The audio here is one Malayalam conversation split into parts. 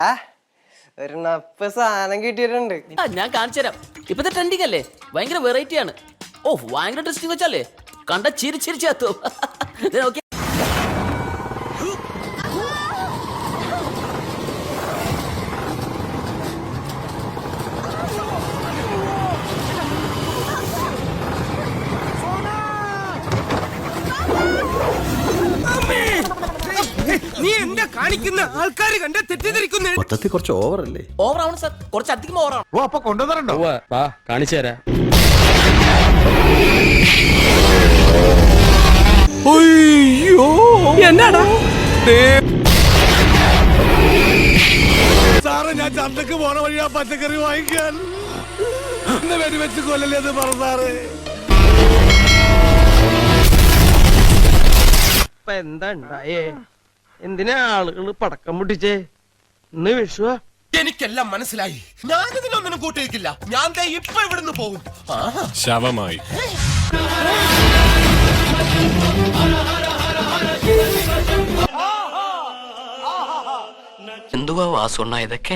ഒരു നപ്പ് സാധനം കിട്ടിയിട്ടുണ്ട്. ഞാൻ കാണിച്ചുതരാം. ഇപ്പത്തെ ട്രെൻഡിങ് അല്ലേ, ഭയങ്കര വെറൈറ്റി ആണ്. ഓ ഭയങ്കര ട്രസ്റ്റിംഗ് വെച്ചല്ലേ, കണ്ട ചിരിച്ചിരിച്ചു. നീ എന്താ കാണിക്കുന്ന? ആൾക്കാര് കണ്ട തെറ്റിദ്ധരിക്കുന്നു. മൊത്തത്തിൽ കുറച്ച് ഓവറല്ലേ? ഓവറാണ് സാർ, കുറച്ചധികം ഓവറാണ്. ഓ അപ്പൊ കൊണ്ടുവന്നിട്ടുണ്ടോ? വാ കാണിച്ചു തരാം. എന്നാടാ സാറേ, ഞാൻ ചന്തക്ക് പോണ വഴി ആ പച്ചക്കറി വാങ്ങിക്കാൻ വെടിവെച്ച് കൊല്ലല്ലേ എന്ന് പറ സാറേ. ഇപ്പൊ എന്താ ഉണ്ടായേ? എന്തിനാ ആളുകള് പടക്കം പൊട്ടിച്ചേ? ഇന്ന് വിഷുവാ. എനിക്കെല്ലാം മനസ്സിലായി. ഞാനിതിനൊന്നിനും കൂട്ടിയിരിക്കില്ല. ഞാൻ ദേ ഇപ്പൊ ഇവിടുന്ന് പോകും. ശവമായി. എന്തുവാ വാസുണ്ണ ഇതൊക്കെ?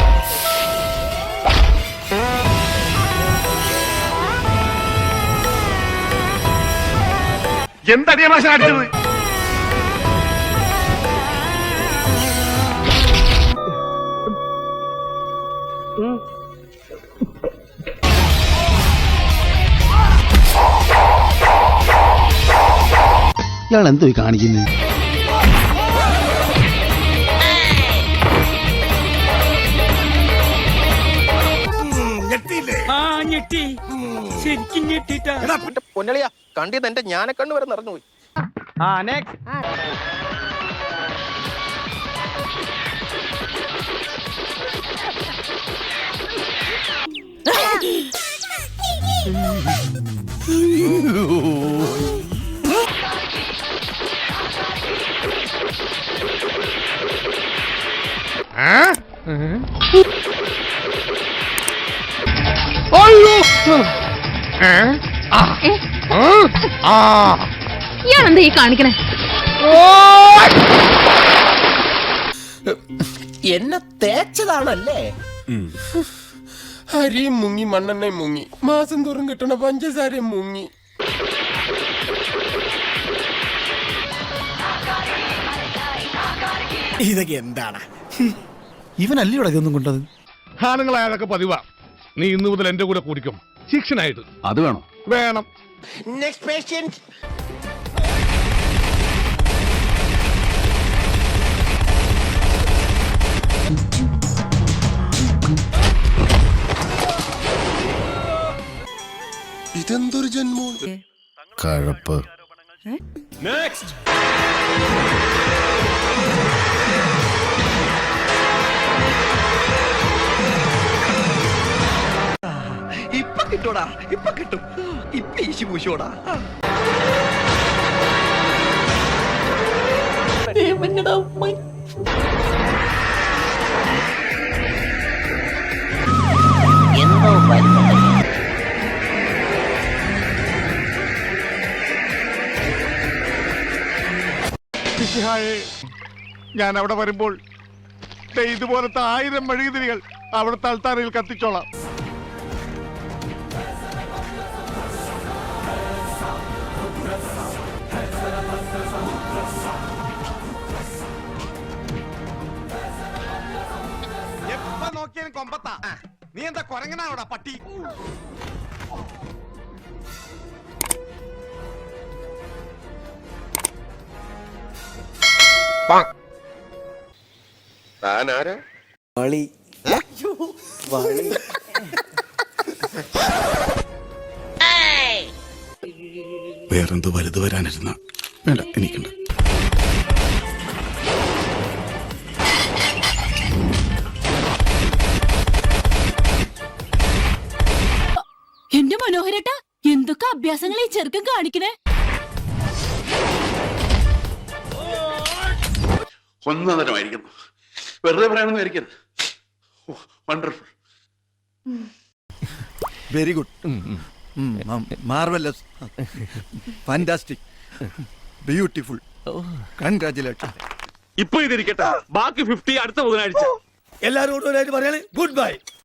എന്തടിയാ മാഷ അടിച്ചത്? ഇയാൾ എന്തോ കാണിക്കുന്നത്? ഞെട്ടി, ശരിക്കും ഞെട്ടിട്ടാ. പൊന്നളിയാ കണ്ടിത് എന്റെ ഞാനക്കണ്ണ് വരെ നിറഞ്ഞുപോയി. ഇയാളെന്താ ഈ കാണിക്കണേ? എന്നെ തേച്ചതാണല്ലേ? അരിയും മുങ്ങി, മണ്ണെണ്ണയും മുങ്ങി, മാസം തോറും കിട്ടണ പഞ്ചസാരയും മുങ്ങി. ഇതൊക്കെ എന്താണ്? ഇവനല്ലേ ഇവിടെ ഇതൊന്നും കൊണ്ടത്? ആണുങ്ങളായതൊക്കെ പതിവാ. നീ ഇന്നു മുതൽ എന്റെ കൂടെ കൂടിക്കും, ശിക്ഷനായിട്ട്. അത് വേണോ? വേണം. Next patient. ഇതെന്തൊരു ജന്മോ? കഴപ്പ്. നെക്സ്റ്റ്. ഇപ്പൊ കിട്ടൂടാ, ഇപ്പൊ കിട്ടും. ഇപ്പൊ ഈശി പൂശോടാ. എന്തോ ഞാൻ അവിടെ വരുമ്പോൾ ഇതുപോലത്തെ 1000 മെഴുകുതിരികൾ അവിടുത്തെ അൾത്താരയിൽ കത്തിച്ചോളാം. എപ്പ നോക്കിയാലും കൊമ്പത്താ. നീ എന്താ കൊരങ്ങനാണോടാ പട്ടി? താനാരാ? വളി വളി. വേറെന്തോ വലുത് വരാനിരുന്ന വേണ്ട, എനിക്കുണ്ട്. എന്റെ മനോഹരേട്ടാ, എന്തൊക്കെ അഭ്യാസങ്ങൾ ഈ ചെറുക്കൻ കാണിക്കണേ? ഒന്നതരമായിരിക്കുന്നു. വെറുതെ പറയാനൊന്നും ആയിരിക്കരുത്. Wonderful. Very good, marvellous, fantastic, beautiful, congratulation. ഇപ്പൊ ഇതിരിക്കട്ടെ, ബാക്കി 50 അടുത്ത ബുധനാഴ്ച. എല്ലാരോടും പറയാണ് ഗുഡ് ബൈ.